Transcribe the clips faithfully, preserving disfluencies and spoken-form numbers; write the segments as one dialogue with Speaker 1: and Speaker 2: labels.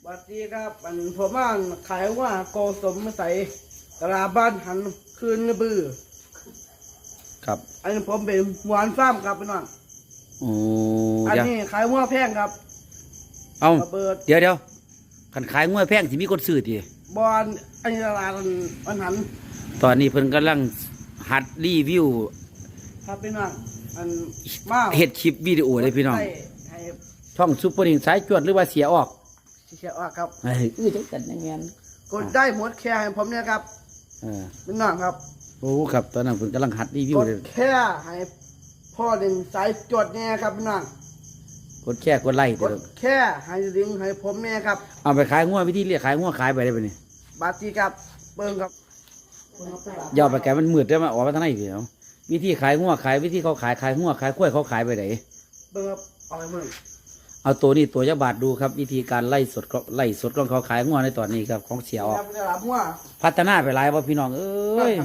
Speaker 1: วัสดีครับอันผมว่าขายว่าโกสมใส่ตลาดบ้านหันคืนบือ
Speaker 2: ครับ
Speaker 1: อันนี้ผมเป็นหวานฟ้ามครับพี่น้อง
Speaker 2: โอ้
Speaker 1: อันนี้ขายว่าแพงครับ
Speaker 2: เอาเดี๋ยวเดี๋ยวขันขายงวดแพงที่มีคนซื้อที
Speaker 1: บอลอันนี้ตลาดบ้านหัน
Speaker 2: ตอนนี้เพิ่นกำลังหัดรีวิว
Speaker 1: ครับพี่น้องอันมา
Speaker 2: เฮ็ดคลิปวิดีโอเลยพี่น้องช่องซุปเปอร์นิงสายจวดหรือว่าเสียออก
Speaker 1: เสียออกครับ
Speaker 2: เฮ้ยอื้อจังกันยังไง
Speaker 1: กดได้หมดแค่ให้ผมเนี่ยครับ
Speaker 2: เออ
Speaker 1: พี่น้องครับ
Speaker 2: โอ้ครับตอนนั้นเพิ่นกำลังหัดรีวิวเลย
Speaker 1: แค่ให้พ่อหนึ่งสายจวดเนี่ยครับพี่น้อง
Speaker 2: กดแค่กดไลค์
Speaker 1: กดแค่ให้ลิงให้ผมเนี่ยครับ
Speaker 2: เอาไปขายงวดวิธีเรียกขายงวดขายไปได้ป่ะนี่
Speaker 1: บาตีครับเบิ้งครับ
Speaker 2: ยาวไปแกมันมืดได้มาออกมาทางไหนเดี๋ยววิธีขายงวดขายวิธีเขาขายขายงวดขายกล้วยเขาขายไปไหน
Speaker 1: เบิ้งครับเอาไปเบิ้ง
Speaker 2: เอาตัวนี้ตัวยาบาดดูครับวิธีการไล่สดไล่สดของเขาขายงวดในตอนนี้ครับของเสียออกพัฒนาไปหลายว่าพี่น้องเอ้ย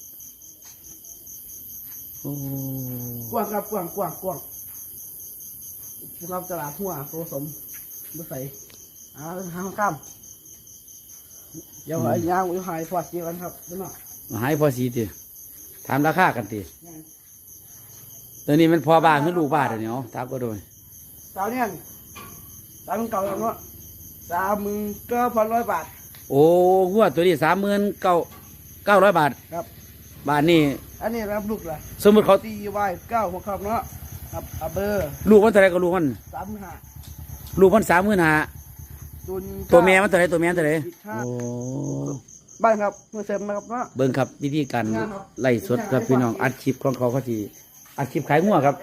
Speaker 1: กว้างครับกว้างกว้างกว้างครับตลาดหัวผสมบุษยอ่าห้างข้ามเดี๋ยวไอ้ยางวิหายพอสีกันครับพี่น้อง
Speaker 2: หายพอสีตีถามราคากันตีตอนนี้มันพอบาทหรือลูกบาทเดี๋ยวนี้ถามก็โดย
Speaker 1: สาวเนี่ยสามเก่าแล้วเนาะสามหมื่นเก้าพันร้อยบาท
Speaker 2: โอ้หัวตัวนี้สามหมื่นเก้าเก้าร้อยบาท
Speaker 1: ครับ
Speaker 2: บาทนี่
Speaker 1: อันนี้รับลูกละ
Speaker 2: สมมติเขา
Speaker 1: ตีไว้เก้าหัวคำเนาะครับอับเบอร์
Speaker 2: ลูกมันเท่าไรก็ลูกมัน
Speaker 1: สามหมื่นห้า
Speaker 2: ลูกมันสามหมื่นห้าตัวแม่มันเท่าไรตัวแม่เท่าไรโอ้
Speaker 1: บ้านครับเมื่อเสร็จนะครับเนาะ
Speaker 2: เบิ้งครับวิธีการไล่สดครับพี่น้องอัดคลิปของเขาเขาทีอัดคลิปขายงัวครับ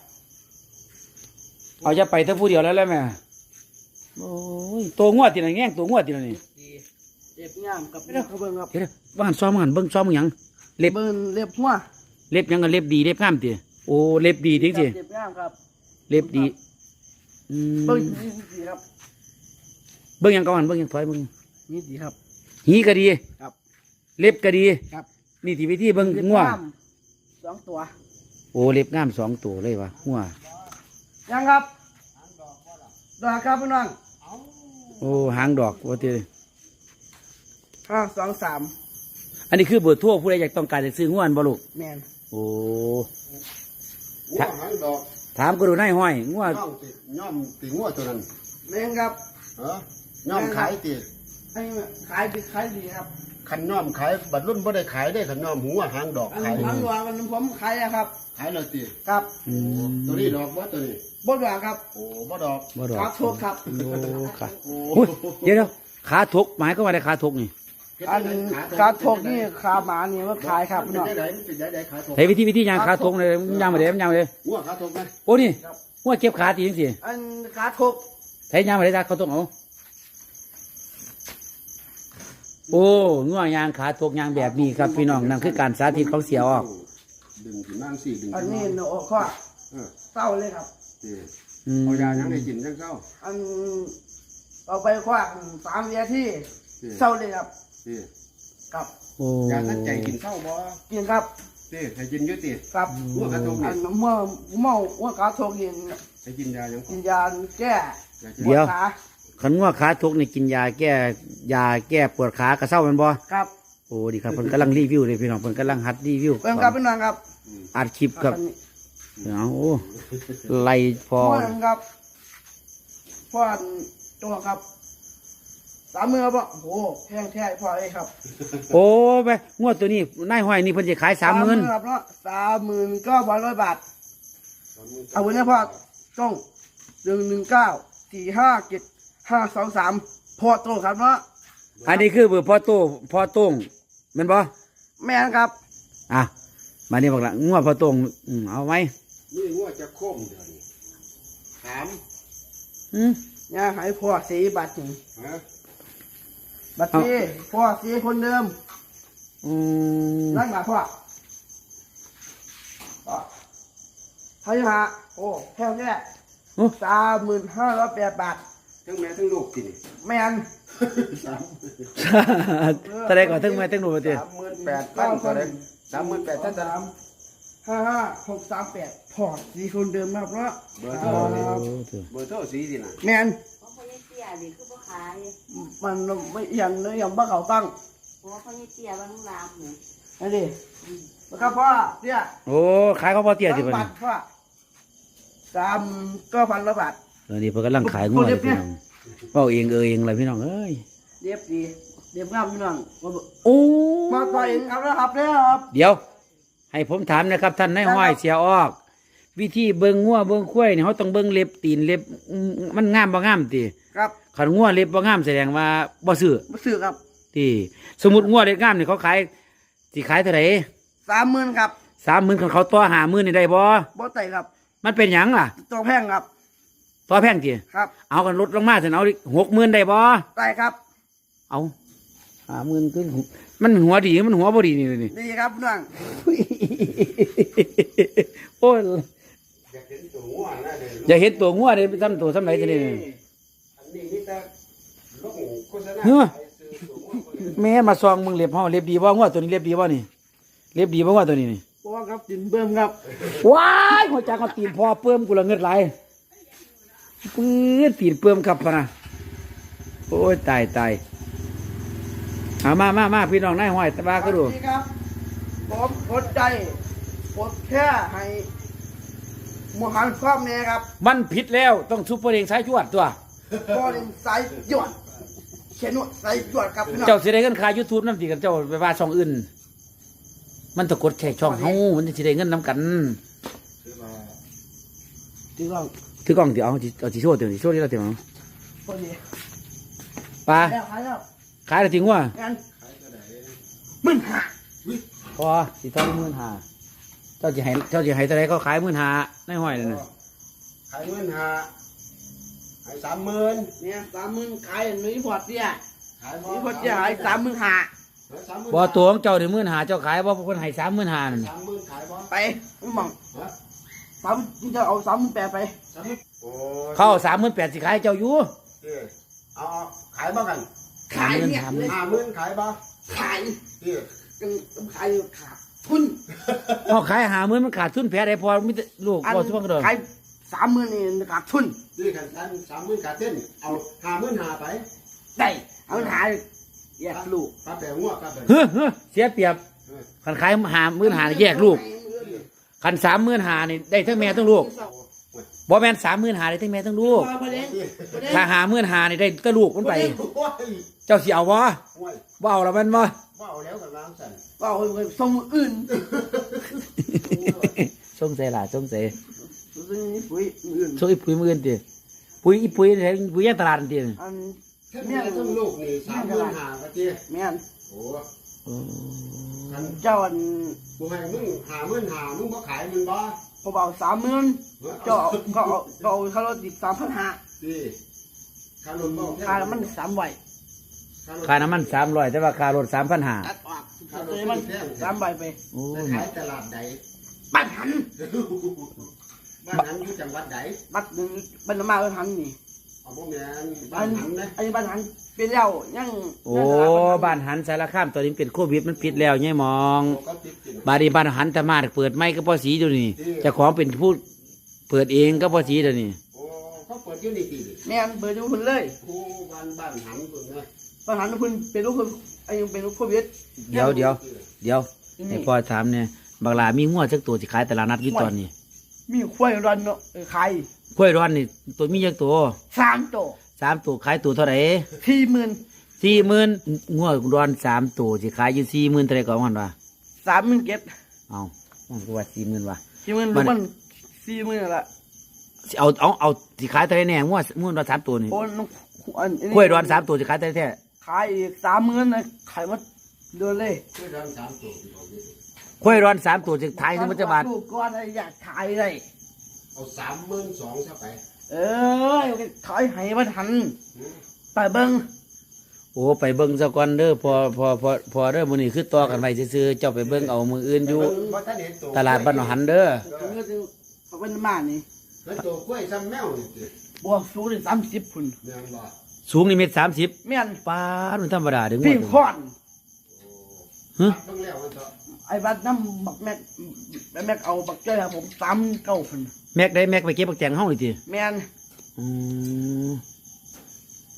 Speaker 2: เอาจะไปทั้งผู้เดียวแล้วแล้วแม่โอ้ยตัวงัวตีนั่นแง่งตัวงัวตีนั่นนี่
Speaker 1: เล็บย่ามกับเล็บเบิ้งครับ
Speaker 2: เดี๋ยวบ้านซ้อมกันเบิ้งซ้อมยัง
Speaker 1: เล็บเบิ้งเล็บหัว
Speaker 2: เล็บยังกันเล็บดีเล็บงามตีโอ้เล็บดีจริงสิ
Speaker 1: เล็บงามครับ
Speaker 2: เล็บดี
Speaker 1: เบิ้งดีครับ
Speaker 2: เบิ้งยังก่อนเบิ้งยังถอยเบิ้ง
Speaker 1: นี่ดีครับ
Speaker 2: หีก็ดี
Speaker 1: ครับ
Speaker 2: เล็บก็ดี
Speaker 1: ครับ
Speaker 2: นี่ที่วิธีเบิ้งงัว
Speaker 1: สองตัว
Speaker 2: โอ้เล็บงามสองตัวเลยวะงัว
Speaker 1: ยังครับดอกครับพี่น้อง
Speaker 2: โอ้หางดอกว่าที่
Speaker 1: ห้าสองสาม
Speaker 2: อันนี้คือเบอร์โทรผู้ใดอยากต้องการจะซื้องัวบ่ลูก
Speaker 1: แมน
Speaker 2: โอ้
Speaker 3: หางดอก
Speaker 2: ถามก็ดูนายห้อยงัว
Speaker 3: ย่อมตีงัวตัวนั้น
Speaker 1: แมนครับ
Speaker 3: เออย่อมขายตี
Speaker 1: ให้ขายดีขายดีครับ
Speaker 3: ขันย่อมขายบัดรุ่นบ่ได้ขายได้ขันย่อมหัวหางดอก
Speaker 1: ขายหางดอกมันผมขายครับ
Speaker 3: ขายเลยตี
Speaker 1: ครับ
Speaker 3: ตัวนี้ดอกบ่ตัวนี้
Speaker 1: บ่ดอกครับ
Speaker 3: โอ้บ่ดอก
Speaker 2: บ่ดอก
Speaker 1: ขาทุกครับ
Speaker 2: โอ้ขาเดี๋ยวขาทุกหมายก็ว่าได้ขาทุกนี่
Speaker 1: อันขาทุกนี่ขาหมานี่มันขายครับพี่น้อง
Speaker 2: เฮ้ยวิธีวิธียางขาทุกเลยยางมาเลยยางมาเลย
Speaker 3: หัวขาทุกไหม
Speaker 2: โอ้นี่หัวเก็บขาตีจังสิ
Speaker 1: อันขาทุก
Speaker 2: เฮ้ยยางมาเลยจ้าเขาต้องเอาโอ้งัวยางขาทุกยางแบบนี้ครับพี่น้องนั่นคือการสาธิตของเสียออก
Speaker 3: ดึงถึงนั่งสี่ดึง
Speaker 1: อันนี้โน้ข้อเศร้าเลยครับ
Speaker 3: เอายายังได้กินยังเศร้า
Speaker 1: อันเอาไปคว้าสามเดือนที่เศร้าเลยครับครับ
Speaker 3: ยาตั้งใจกินเศร้าบ่
Speaker 1: กินครับ
Speaker 3: นี่ให้กินยุติ
Speaker 1: ครับ
Speaker 3: หัวกระทง
Speaker 1: อันเมื่อเมื่อหัวกระทงเย็น
Speaker 3: ให้กินยายัง
Speaker 1: กินยาแก้
Speaker 2: เดี๋ยวขันงัวขาทุกนี่กินยาแก้ยาแก้ปวดขากระเซ้ามันบ่
Speaker 1: ครับ
Speaker 2: โอ้ดีครับเพิ่นกำลังรีวิวเลยพี่น้องเพิ่นกำลังหัดรีวิว
Speaker 1: เพิ่นครับพี่น้องครับ
Speaker 2: อัดคลิปครับเอาโอ้ไล่พอ
Speaker 1: ครับพ่อตัวครับสามมือป่ะโอ้แพงแท้พ่อเอ้ครับ
Speaker 2: โอ้ไปงวดตัวนี้นายห้อยนี่เพิ่นจะขายสามหมื่น
Speaker 1: ครับเนาะสามหมื่นเก้าพันร้อยบาทเอาไว้นะพ่อต้องหนึ่งหนึ่งเก้าสี่ห้าเจ็ดห้าสองสามพ่อโตครับเนาะ
Speaker 2: อันนี้คือเบอร์พ่อโตพ่อโต้งแม่นบ่
Speaker 1: แม่นครับ
Speaker 2: อ่ะมานี่บอกละงวดพ่อโต้งเอาไว้
Speaker 3: นี่งวดจะโค้งเดี๋ยวนี้ถาม
Speaker 2: อืม
Speaker 1: ย่าให้พ่อสีบัตรหนึ่งบัตรสีพ่อสีคนเดิม
Speaker 2: อืม
Speaker 1: รักหนาพ่อเท่าไหร่ฮะโอ้แค่นี้สามหมื่นห้าร้อยแปดบาท
Speaker 3: ทั้งแม่ทั้งลูกกิน
Speaker 1: แม่น
Speaker 3: สาม
Speaker 2: แสดงก่อนทั้งแม่ทั้งลูกตี
Speaker 3: สามหมื่นแปดพันก็ได้สามหมื่นแปดท่านสาม
Speaker 1: ห้าห้าหกสามแปดพอสีคนเดิมครับเนาะ
Speaker 3: เบอร์โทรเบอร์โทรสีสินะ
Speaker 1: แม่น
Speaker 4: ดิคือบ่ขาย
Speaker 1: มันไม่เอียงเลยยังบ้าเขาตั้ง
Speaker 4: เพราะว่าเขาเตี้ยบางรามเนี่ย
Speaker 1: นั่นดินะครับพ่อเนี่ย
Speaker 2: โอ้ขายข้าวโพดเตี้ยสิ
Speaker 1: สาม
Speaker 2: เพิ่น
Speaker 1: บาทพ่อสามก็พันละบาท
Speaker 2: เออนี่เพิ่นกำลังขายงัวเลยพี่น้องเว้าเองเออเองเลยพี่น้องเอ้ย
Speaker 1: เรียบดีเรียบงามพี่น้องมาบอก
Speaker 2: โอ้
Speaker 1: มาต่อยเองครับนะครับเนี่ยครับ
Speaker 2: เดี๋ยว ให้ผมถามนะครับ ท่านนายห้อยเสียออก วิธีเบิ่งงัวเบิ่งควายนี่เขาต้องเบิ่งเล็บตีนเล็บอืมมันงามบ่งามติ
Speaker 1: ครับ
Speaker 2: คันงัวเล็บบ่งามแสดงว่าบ่ซื้อ
Speaker 1: มาซื้อครับ
Speaker 2: ติสมมุติงัวเล็บงามนี่เขาขายสิขายเท่าไหร่
Speaker 1: สามหมื่นครับ
Speaker 2: สามหมื่นคันเขาต่อห้าหมื่นนี่ได้บ่
Speaker 1: บ่ไต่ครับ
Speaker 2: มันเป็นหยังล่ะ
Speaker 1: ตัวแพงครับ
Speaker 2: ต่อแพงติ
Speaker 1: ครับ
Speaker 2: เอากันลดลงมาเถอะเอาหกหมื่นได้บ่
Speaker 1: ไต่ครับ
Speaker 2: เอาห้าหมื่นขึ้นมันหัวดีมันหัวบ่ดีนี่เลยนี่
Speaker 1: ดีครับพี่น้อง
Speaker 2: โอ้ย
Speaker 3: อยากเห็นตัวงัวนะเด้อ
Speaker 2: อย่าเห็นตัวงัวเลยทำตัวสำไรจะนี่
Speaker 3: อันนี้มีแต่ลงโฆษณา
Speaker 2: เฮ้อ
Speaker 3: ขายซื้อตัวงัวคนอื่น
Speaker 2: แม่มาซองมึงเล็บเฮาเล็บดีบ่งัวตัวนี้เล็บดีบ่นี่เล็บดีบ่งัวตัวนี้นี่
Speaker 1: พ่อครับจินเบิ่มครับ
Speaker 2: ว้ายหัวจักเอาตีนพอเพิ่มกูละเงิดไหลายปื้ดตีนเพิ่มครับพะนะโอ้ยตายตายเอามามามาพี่น้องนายห้อยตะบาก็ดู
Speaker 1: สวัสดีครับผมกดใจกดแค่ให้หมูหันครอบแม่ครับ
Speaker 2: มันผิดแล้วต้องซุปเปอร์เองสายจวดตัว
Speaker 1: พ่อเล่นสายหยดเชนวดสายหยดครับพี่น้อง
Speaker 2: เจ้าสิได้เงินค่า YouTube นำติกันเจ้าไปว่าช่องอื่น มันต้องกดแค่ช่องเฮามันสิได้เงินนํกัน
Speaker 3: คือว่า
Speaker 1: จีกอง
Speaker 2: ถือกล้องสิเอาสิเอาสิโชว์เดี๋ยวสิโชว์ที่เราเดี๋ยว
Speaker 1: พอดี
Speaker 2: ปลา
Speaker 1: แล้วขายแล้ว
Speaker 2: ขายแล้วจริงวะ
Speaker 1: งั้น
Speaker 3: ขายตัวไหน
Speaker 1: มึงหา
Speaker 2: พอสิเท่าหมื่นห้าเจ้าสิให้เจ้าสิให้เท่าไหร่ก็ขายหมื่นห้าในห้อยนั่นน่ะ
Speaker 3: ขายเงินหาขายสามหมื่น
Speaker 1: เนี่ยสามหมื่นขายหนุ่ยพอดเนี่ย
Speaker 3: ขาย
Speaker 1: หนุ่ยพอดเนี่ยขายสามหมื่นหา
Speaker 3: สามหมื่น
Speaker 2: บ่ตัวของเจ้านี่หมื่นห้าเจ้าขายบ่คนให้สามหมื่นห้านั่น
Speaker 3: สามหมื่นขายบ่
Speaker 1: ไปมึงมอง
Speaker 3: ฮะ
Speaker 1: สามมึงจะเอาสามหมื่นแปดไป
Speaker 3: สามหมื่นโอ้ย
Speaker 2: เข้าสามหมื่นแปดสิขายเจ้าอยู่
Speaker 3: เอ้ยเอาเอาขายบ่กัน
Speaker 1: ขายเนี่ย
Speaker 2: สามหมื่น
Speaker 3: ห้าหมื่นขายบ่
Speaker 1: ขาย
Speaker 3: เอ้ย
Speaker 1: ยังต้องขายอยู่ขาดทุน
Speaker 2: เอาขายหาหมื่นมันขาดทุนแพ้ได้พอมีแต่ลูก
Speaker 1: อัน
Speaker 2: บ่ทุกคนก็เด้อ
Speaker 1: ขายสามหมื่นนี่ขาดทุน
Speaker 3: นี่ขันกันสามหมื่นขาดเส้นเอาห้าหมื่นหาไป
Speaker 1: ได้เอาขายแยกลูก
Speaker 3: ปลาแปลงงัวปลาแปลง
Speaker 2: เฮ้อเฮ้อเสียเปรียบคันขายหาหมื่นห้าแยกลูกคันสามหมื่นห้านี่ได้ทั้งแม่ทั้งลูกบ่แม่นสามหมื่นห้าได้ทั้งแม่ทั้งลูก
Speaker 1: ประเด็นประเด็น
Speaker 2: ถ้าหาหมื่นห้านี่ได้แต่ลูกมันไป
Speaker 3: โอ้ย
Speaker 2: เจ้าสิเอาบ่
Speaker 3: โอ้ย
Speaker 2: บ่เอาแล้วแมันบ่
Speaker 3: ว่าเอาแล้วกันล้างสัน
Speaker 1: ว่าเอาไปส่งมืออื่น
Speaker 2: สงสัยล่ะสงสัย
Speaker 1: ซึ่งนี่ปุ๋ยมืออื่น
Speaker 2: ส่งอีปุ๋ยมื้ออื่นติปุ๋ยอีปุ๋ยแถวปุ๋ยย่างตลาดนั่นติ
Speaker 1: อัน
Speaker 3: ทั้ง
Speaker 1: แม่
Speaker 3: แม่ทั้งลูกนี่สามหมื่นหากะเจี๊ย
Speaker 1: แม่น
Speaker 3: โอ้
Speaker 2: โอ้
Speaker 3: กัน
Speaker 1: เจ้าอัน
Speaker 3: กูให้มึงหาหมื่นหามึงบ่ขายมึงบ่
Speaker 1: เขาบอกสามหมื่นเจ้าเอาก็เอาก็เอาค่ารถอีกสามพันห้า
Speaker 3: ดีค่ารถบ่แพง
Speaker 1: ค่ามันสามใบ
Speaker 2: ค่าน้ำมันสามร้อยแต่ว่าค่ารถสามพันห้า
Speaker 1: ตัดออกเลยมันสามใบไป
Speaker 2: โอ้
Speaker 3: ไป
Speaker 2: ย
Speaker 3: ขายตลาดใด
Speaker 1: บัตรหัน
Speaker 3: บ้านนั้นอยู่จังหวัดใด
Speaker 1: บัตรหนึ่งบัตรละมาบัตรหันนี่
Speaker 3: เอาบ่แม่นบ้า
Speaker 1: อั
Speaker 3: น
Speaker 1: น
Speaker 3: หันนะ
Speaker 1: อันนี้บัตรหันเป็นแล้วยัง
Speaker 2: โอ้บ้านหันสารคามตอนนี้เป็นโควิดมันปิดแล้วเนี่ยมอง
Speaker 3: โอ้ก็ติดกิน
Speaker 2: บาดนีบ้านหันตะมาดเปิดไม่ก็พอสีเดี๋ยวนี้เจ้าของเป็นผู้เปิดเองก็พอสีเดี๋ยวนี้
Speaker 3: โอ้เขาเปิดอยู่นี่ติ
Speaker 1: แม่นเบอร์ดูคุณเลย
Speaker 3: โอ้บ้านบ้านหันพุ่นนะ
Speaker 1: บัตรหันคุณเป็นลูกคุณไอ้ยังเป็นลูกโควิด
Speaker 2: เดี๋ยวเดี๋ยวเดี๋ยวให้พ่อถามเนี่ยบางลามีงัวจักตัวที่ขายตลาดนัดกี่ตอนนี้
Speaker 1: มีควายรันเนาะเออขาย
Speaker 2: กล้วยร้อนนี่ตัวมีจักตัว
Speaker 1: สามตัว
Speaker 2: สามตัวขายตัวเท่าไหร่
Speaker 1: สี่หมื่น
Speaker 2: สี่หมื่นงัวร้อนสามตัวที่ขายอยู่สี่หมื่นเท่าไหร่ก่อนมันวะ
Speaker 1: สามหมื่นเก็บ
Speaker 2: เอามันก็ว่าสี่หมื่นวะ
Speaker 1: สี่หมื่น
Speaker 2: มั
Speaker 1: ลู
Speaker 2: น
Speaker 1: กมันสี่หมื่นละ
Speaker 2: สิเอาเอาเอาที่ขายเท่าไหร่แน่งัวงัวร้อนสามตัวนี่
Speaker 1: โอ้น้องอันนี้
Speaker 2: กล้วยร้อนสามตัวที่ขายเท่าไหร่แท้
Speaker 1: ขายอีกสามหมื่นนะขายหมาเดือนเลย
Speaker 3: ช่วยดันสามตัวที่เขาเยอะ
Speaker 2: กล้วยร้อนสามตัวที่ขายถึงมันจะบาท
Speaker 1: ลูกก้อนอะไรอยากขายได้
Speaker 3: เอาสามหมื่นสองซะไป
Speaker 1: เออขายให้มันทันไปเบิ้ง
Speaker 2: โอ้ไปเบิ้งซะก่อนเด้อพอพอพอพอเด้อมื้อนี้คือต่อกันไว้ซื่อๆเจ้าไปเบิ้งเอามืออื่นอยู่
Speaker 3: เพราะท่านเห็นตัว
Speaker 2: ตลาดบ้านหนองหันเด้อ
Speaker 1: ถึงก็จะเขาเป็นมานี่
Speaker 3: เห็นตัวกล้วยซ้ำแมวนี่ติ
Speaker 1: บวกสูงถึงสามสิบพุ่น
Speaker 3: แม่นบ่
Speaker 2: สูงนี่เมตรสามสิบ
Speaker 1: แม่น
Speaker 2: ป้าดมันธรรมดาเด้อ
Speaker 1: พี่
Speaker 2: งัว
Speaker 1: คอน
Speaker 2: ฮะ
Speaker 3: เบิ่งแล้วมันเถอะ
Speaker 1: ไอ้บัดน้ำบักแม็กแม็กเอาบักเจ้าผมสามเก้าพุ่น
Speaker 2: แม็กได้แม็กไปเก็บบักแตงเฮานี่ติ
Speaker 1: แม่น
Speaker 2: อืม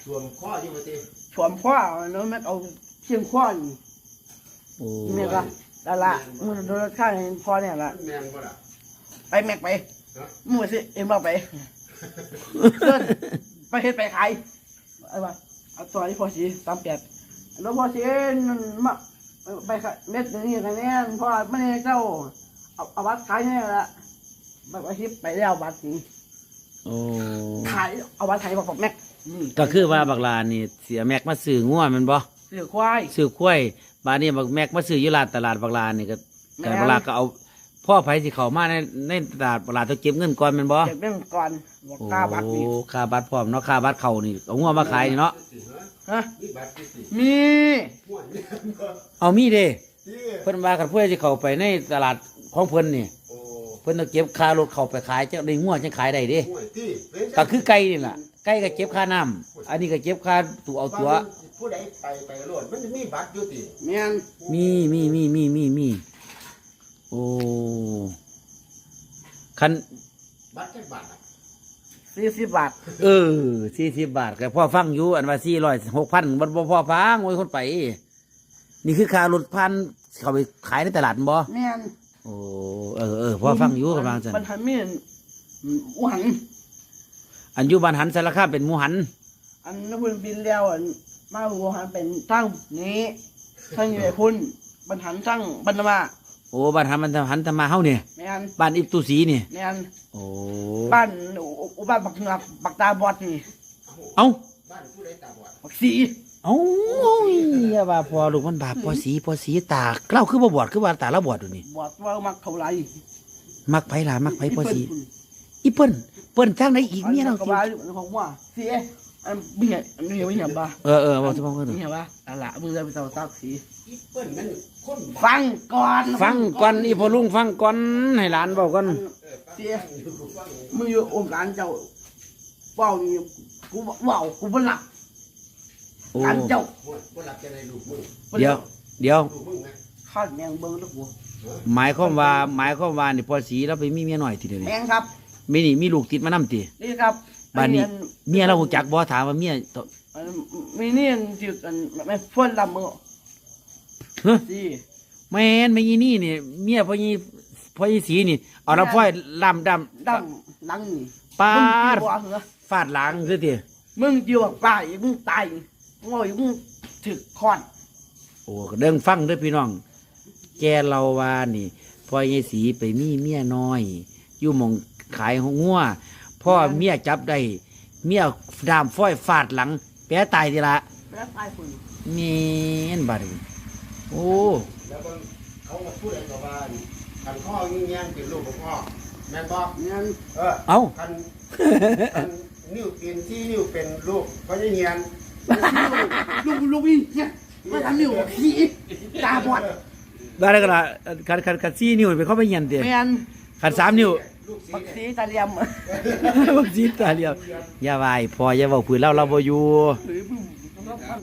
Speaker 3: สวมข้ออยู่ว่าติ
Speaker 1: สวมข้อเนาะแม่เอาเชียงข้อนี่
Speaker 2: โอ้
Speaker 1: นี่ก็นั่นละมึงโดนข้างเห็นพ่อเนี่ยละ
Speaker 3: แม่นบ่ล่ะ
Speaker 1: ไปแม็กไปมึงสิเอ็มบอกไปเดินไปเฮ็ดไปขายเอาว่าเอาตัวนี้พอสีสามแปดแล้วพอสีนั่นมาไปขายเม็ดหนึ่งนี่คะแนนพอไม่ได้เจ้าเอาเอาบัตรขายเนี่ยละบัตรอาชีพไปแล้วบัตรนี้
Speaker 2: โอ้
Speaker 1: ขายเอาบัตรขายบอกบอกแม็กนี่
Speaker 2: ก็คือว่าบักลานี่เสียแม็กมาซื้องัวแมันบ่
Speaker 1: เสือควาย
Speaker 2: ซื้อข้วยบาดนี้บักแม็กมาซื้ออยู่ลานตลาดบักลานี่ก็
Speaker 1: แม่
Speaker 2: แต่บักลาก็เอาพ่อไผสิเข้ามาในในตลาดบักลาต้องเก็บเงินก่อนแม่นบ่
Speaker 1: เก็บเรื่องก่อนบอก
Speaker 2: โอ้
Speaker 1: ค่าบัตรนี่
Speaker 2: ค่าบัตรพร้อมเนาะค่าบัตรเข้านี่เอางัวมาขายนี่เนาะ
Speaker 1: ฮะ
Speaker 3: นี่บัตรที่สิ
Speaker 1: มี
Speaker 3: ม่วนเนี่ยก็
Speaker 2: เอามีเด้
Speaker 3: ที่
Speaker 2: เพิ่นว่ากันเพื่อสิเข้าไปในตลาดของเพิ่นนี่
Speaker 3: โอ้
Speaker 2: เพิ่นต้องเก็บค่ารถเข้าไปขายจังได้งัวจังขายได้เด้
Speaker 3: ม่วนที่เป็น
Speaker 2: ก็คือไก่นี่ล่ะไก่ก็เก็บค่าน้ำอันนี้ก็เก็บค่าตัวเอาตัว
Speaker 3: ผู้ใดไปไปโลดมันจะมีบัตรอยู่ติ
Speaker 1: เมียน
Speaker 2: มีมีมีมีมีมีโอ้คัน
Speaker 3: บัตรจักบาทอะ
Speaker 1: สี่สิบบาท
Speaker 2: เออสี่สิบบาทก็พ่อฟังอยู่อันว่าสี่ร้อยหกพันบ่บ่พ่อฟังโอ้ยคนไป นี่คือค่ารถพันเขาไปขายในตลาดบ่
Speaker 1: เมียน
Speaker 2: โอ้เออเออพ่อฟังอยู่กำลังจัน
Speaker 1: มันทำมีนอุหัน
Speaker 2: อันอยู่บ้านหันสารคามเป็นหมูหัน
Speaker 1: อันนั้นเพิ่นบินแล้วอันมาอุหันเป็นทั้งนี้ทั้งอยู่ไอ้พุ่นบรรหันทั้งบรรณมา
Speaker 2: โอ้บ้านหันมันหันทำมาเฮาเนี่ย
Speaker 1: เมียน
Speaker 2: บ้านอิบตุสีนี่
Speaker 1: เมียน
Speaker 2: โอ้
Speaker 1: บ้านอุบ้านบักเหงือกบักตาบอดนี่
Speaker 2: เอ้า
Speaker 3: บ้านผู้ใดตาบอด
Speaker 1: บักสี
Speaker 2: เอ้าอย่าว่าพอลูกมันบาปพอสีพอสีตาเล่าคือบ่บอดคือว่าตาเราบอดอยู่นี่
Speaker 1: บอดว่ามักเท่าไหร
Speaker 2: มักไผล่ะมักไผพอสีอีเปิ้นเปิ้นทางไหนอีกเมียเรา
Speaker 1: ก็
Speaker 2: สิ
Speaker 1: ว่าอยู่ของว่าเสียอันเบี้ยอันนี้ไม่เห็นป่ะ
Speaker 2: เออเออบอกสิบอกกัน
Speaker 1: ไม่เห็นป่ะอันละมึงจะไปเต่าตักสี
Speaker 3: อีเปิ้นมันคนบ้า
Speaker 1: ฟังก่อน
Speaker 2: ฟังก่อนอีพ่อลุงฟังก่อนให้หลานเว้าก่อน
Speaker 1: เสียมึงอยู่องค์การเจ้าเป้านี่กูเว้ากูบ่หลับ
Speaker 2: โอ้
Speaker 1: การเจ้า
Speaker 3: ม่วนบ่รับจะได้ลูกมึง
Speaker 2: เดี๋ยวเดี๋ยว
Speaker 3: ลูกมึงนะ
Speaker 1: ข้าวแมงเบิ้งลูกหัว
Speaker 2: หมายความว่าหมายความว่านี่พอสีเราไปมีเมียน้อยทีเดียว
Speaker 1: แม
Speaker 2: นี่
Speaker 1: งครับ
Speaker 2: มีนี่มีลูกติดมานำติ
Speaker 1: นี่ครับ
Speaker 2: บ้านนี้
Speaker 1: อั
Speaker 2: เมียเราหูจักบ่ถามว่าเมียต
Speaker 1: อันมีนี่อันที่อันไม่ฟ้นลำมือ
Speaker 2: เฮ้ย
Speaker 1: สิ
Speaker 2: แม่นไม่ยีนี่นี่เมียพ่อยีพ่อยีสีนี่เอาละพ่อยลำดำ
Speaker 1: ดำหลังนี่
Speaker 2: ปา
Speaker 1: มึง
Speaker 2: ด
Speaker 1: จีบเหรอ
Speaker 2: ฟาดหลังคือติ
Speaker 1: มึงจีบป้าอีกมึงตายมึงเอาอีกมึงถึกคอน
Speaker 2: โอ้ก็เดิงฟังเด้อพี่น้อง แกเราว่านี่พ่อยีสีไปมีเมียน้อย อยู่หมองขายหัวงัวพ่อเมียจับได้เมียดามฟ้อยฟาดหลัง แปะตายทีละ
Speaker 1: แล้วตายคน
Speaker 2: เมียนบาดนี้โอ้
Speaker 3: แล้วเบิ่งเขาก็พูดอะไรก็ว่าคันพ่อยิ่งแย่งเป็นลูกของพ่อแม่นบ่
Speaker 1: งั้น
Speaker 3: เออ
Speaker 2: เอ้า
Speaker 3: คันคันนิ้วเป็นที่นิ้วเป็นลูกเพราะยังเฮียน
Speaker 1: ลูกลูกนี่เนี่ยมาทำนี่หัวขี้ตาบอด
Speaker 2: ได้แล้วก็ละคันคันคันสี่นิ้วไปเข้าไปเหียนเตะ
Speaker 1: แมน
Speaker 2: คันสามนิ้ว
Speaker 3: ลูกสี
Speaker 1: บัก
Speaker 3: เนี่ย
Speaker 1: สีตาเหลี่ยม
Speaker 2: บักสีตาเดียวอย่าไหวายพออย่าเว้าผืนเล่าเราบ่อยู่
Speaker 1: หรือมึงต้องฟัง